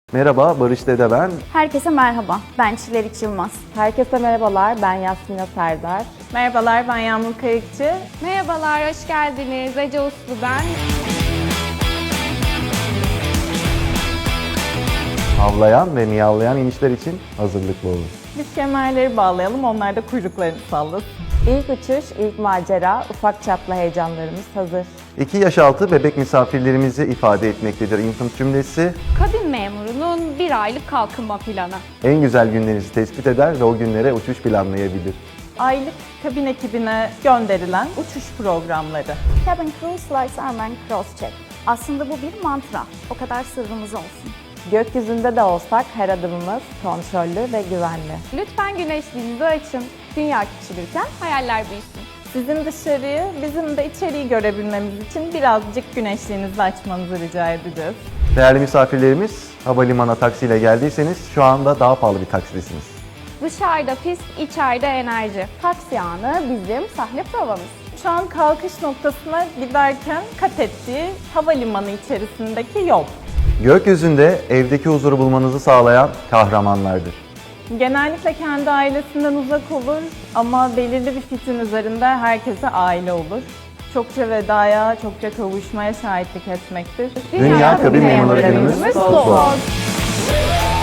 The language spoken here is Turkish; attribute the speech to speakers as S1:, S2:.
S1: Merhaba, Barış Dede ben.
S2: Herkese merhaba, ben Çilerik Yılmaz.
S3: Herkese merhabalar, ben Yasmina Serdar.
S4: Merhabalar, ben Yağmur Kayıkçı.
S5: Merhabalar, hoş geldiniz. Ece Uslu ben.
S1: Havlayan ve miyavlayan inişler için hazırlıklı olun.
S4: Biz kemerleri bağlayalım, onlar da kuyruklarını sallasın.
S3: İlk uçuş, ilk macera, ufak çaplı heyecanlarımız hazır.
S1: 2 yaş altı bebek misafirlerimizi ifade etmektedir infant cümlesi.
S5: Kabin memurunun bir aylık kalkınma planı.
S1: En güzel günlerinizi tespit eder ve o günlere uçuş planlayabilir.
S4: Aylık kabin ekibine gönderilen uçuş programları.
S2: Cabin Crew Slice Airman Crosscheck. Aslında bu bir mantra, o kadar sırrımız olsun.
S3: Gökyüzünde de olsak her adımımız kontrollü ve güvenli.
S5: Lütfen güneşliğinizi açın. Dünya küçülürken hayaller büyüsün.
S4: Sizin dışarıyı, bizim de içeriği görebilmemiz için birazcık güneşliğinizi açmanızı rica edeceğiz.
S1: Değerli misafirlerimiz, havalimanına taksiyle geldiyseniz şu anda daha pahalı bir taksidesiniz.
S5: Dışarıda pist, içeride enerji.
S2: Taksi anı bizim sahne provamız.
S4: Şu an kalkış noktasına giderken kat ettiği havalimanı içerisindeki yol.
S1: Gökyüzünde evdeki huzuru bulmanızı sağlayan kahramanlardır.
S4: Genellikle kendi ailesinden uzak olur ama belirli bir fikrin üzerinde herkese aile olur. Çokça vedaya, çokça kavuşmaya şahitlik etmektir.
S1: Dünya Kabin Memurları Günümüz kutlu olsun.